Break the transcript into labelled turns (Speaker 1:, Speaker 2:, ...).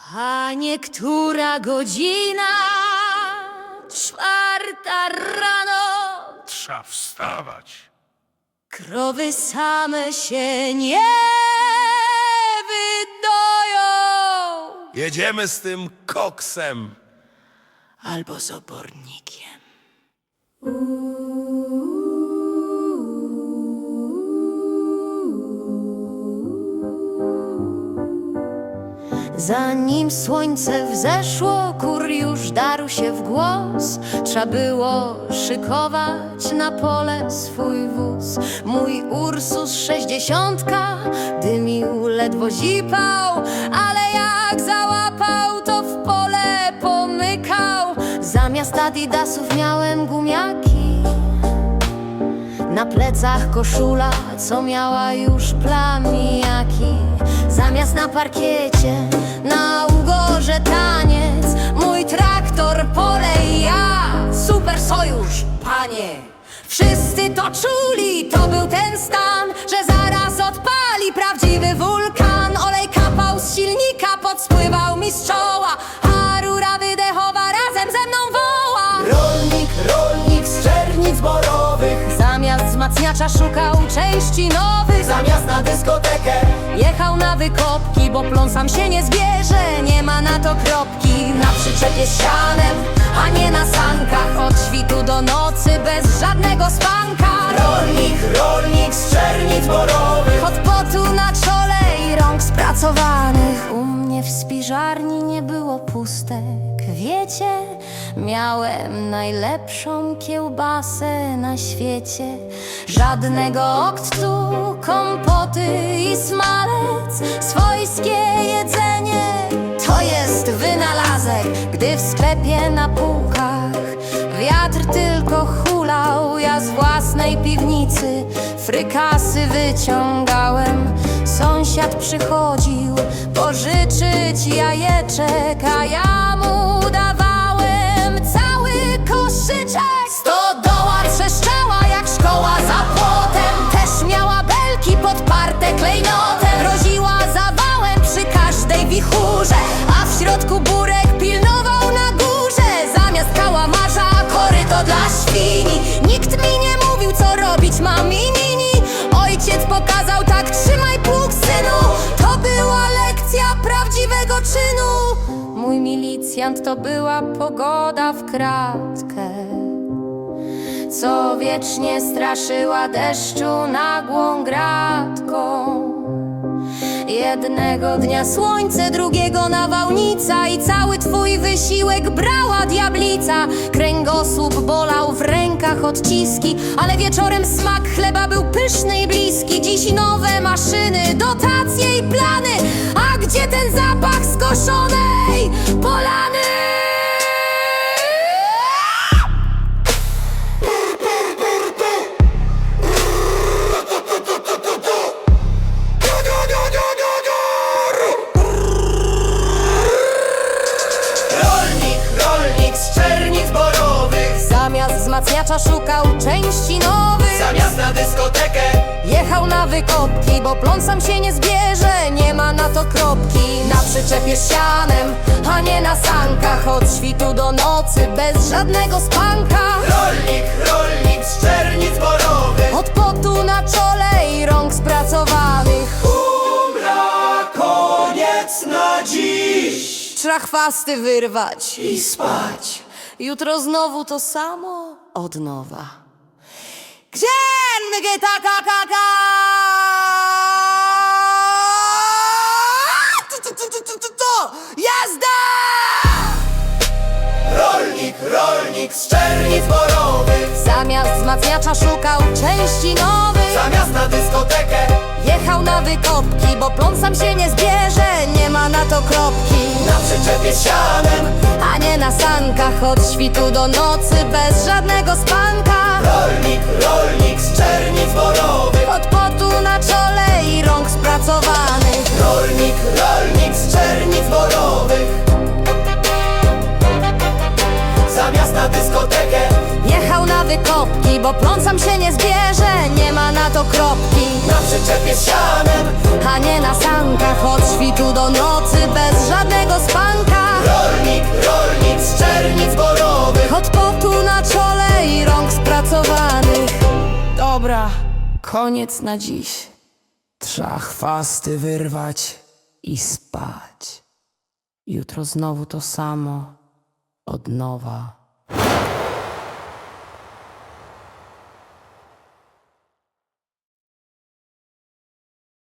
Speaker 1: A niektóra godzina, 4 rano,
Speaker 2: Trza wstawać.
Speaker 1: krowy same się nie wydoją.
Speaker 2: Jedziemy z tym koksem.
Speaker 1: Albo z obornikiem. Zanim słońce wzeszło, kur już darł się w głos. Trzeba było szykować na pole swój wóz. Mój Ursus 60 dymił, ledwo zipał, ale jak załapał, to w pole pomykał. Zamiast adidasów miałem gumiaki, na plecach koszula, co miała już plamijaki. Zamiast na parkiecie, na ugorze taniec, mój traktor, pole i ja, super sojusz, panie. Wszyscy to czuli, to był ten stan, że zaraz odpali prawdziwy wulkan. Olej kapał z silnika, podspływał mi z czoła, a rura wydechowa razem ze mną woła.
Speaker 3: Rolnik z Czernic Borowych,
Speaker 1: Zamiast wzmacniacza szukał części nowych.
Speaker 3: zamiast na dyskotekę
Speaker 1: Jechał na wykopki, bo plon sam się nie zbierze. Nie ma na to kropki. Na przyczepie z sianem, a nie na sankach. Od świtu do nocy, bez żadnego spanka.
Speaker 3: Rolnik z Czernic Borowych,
Speaker 1: Od potu na czole i rąk spracowanych. U mnie w spiżarni nie było pustek. Wiecie, miałem najlepszą kiełbasę na świecie. Żadnego oktu, kompoty i smalec. Swojskie jedzenie to jest wynalazek. Gdy w sklepie na półkach wiatr tylko hulał, ja z własnej piwnicy frykasy wyciągałem. Sąsiad przychodził pożyczyć jajeczek, a ja mu dawałem cały koszyczek. Stodoła trzeszczała jak szkoła za płotem, też miała belki podparte klejnotem. Groziła zawałem przy każdej wichurze, a w środku burek pilnował na górze. Zamiast kałamarza koryto dla świni. Nikt mi nie mówił, co robić mam i nini. Ojciec pokazał, tak trzymaj pług, synu. To była lekcja prawdziwego czynu. Mój milicjant to była pogoda w kratkę, co wiecznie straszyła deszczu nagłą gratką. Jednego dnia słońce, drugiego nawałnica i cały twój wysiłek brała diablica. Kręgosłup bolał, w rękach odciski, ale wieczorem smak chleba był pyszny i bliski. Dziś nowe maszyny, dotacje i plany, a gdzie ten zapach skoszonej polany?
Speaker 3: rolnik z Czernic Borowych,
Speaker 1: Zamiast wzmacniacza szukał części nowych.
Speaker 3: zamiast na dyskotekę
Speaker 1: Jechał na wykopki, bo plon sam się nie zbierze. Nie ma na to kropki. Na przyczepie z sianem, a nie na sankach. Od świtu do nocy, bez żadnego spanka.
Speaker 3: Rolnik z Czernic Borowych,
Speaker 1: Od potu na czole i rąk spracowanych.
Speaker 3: umra, koniec na dziś
Speaker 1: Trzeba chwasty wyrwać
Speaker 3: i spać.
Speaker 1: Jutro znowu to samo od nowa. Księgi taka. Jazda!
Speaker 3: Rolnik z Czernic Borowych,
Speaker 1: Zamiast wzmacniacza szukał części nowych.
Speaker 3: zamiast na dyskotekę
Speaker 1: Jechał na wykopki, bo plon sam się nie zbierze. Nie ma na to kropki.
Speaker 3: na przyczepie z sianem.
Speaker 1: A nie na sankach, od świtu do nocy, bez żadnego spanka.
Speaker 3: Rolnik z Czernic Borowych,
Speaker 1: Od potu na czole i rąk spracowanych.
Speaker 3: rolnik z Czernic Borowych, zamiast na dyskotekę
Speaker 1: Jechał na wykopki, bo plon sam się nie zbierze. Nie ma na to kropki.
Speaker 3: na przyczepie z sianem.
Speaker 1: A nie na sankach, od świtu do nocy, bez żadnego spania.
Speaker 4: Koniec na dziś. Trzeba chwasty wyrwać i spać. Jutro znowu to samo. Od nowa.